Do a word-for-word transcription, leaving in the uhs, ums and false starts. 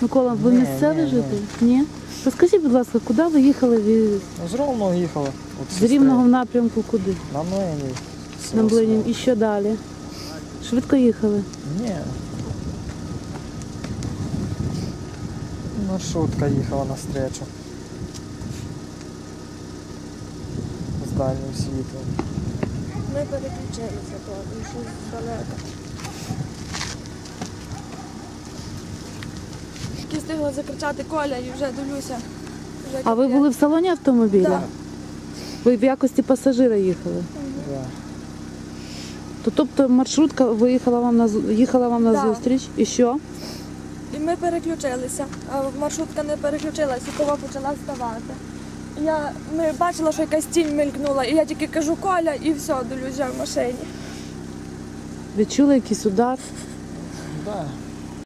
Микола, ви Ні, місцевий ні, житель? Ні. Розкажіть, будь ласка, куди ви їхали? від- Ну, з Ровного їхали. От З сестри. Рівного в напрямку куди? На Млині. На Млинів. І що далі? Швидко їхали? Ні. Маршрутка їхала навстречу. З дальнім світлом. Ми переключилися, то щось далеко. Тільки встигла закричати Коля і вже дивлюся. Вже А ви капець. були в салоні автомобіля? Так. Ви в якості пасажира їхали? Да. То, тобто маршрутка виїхала вам на зу- їхала вам на Так. зустріч? І що? І ми переключилися, а маршрутка не переключилася, і кова почала ставати. Я, ми бачила, що якась тінь мелькнула, і я тільки кажу Коля, і все, дивлюся в машині. Відчули якийсь удар? Да.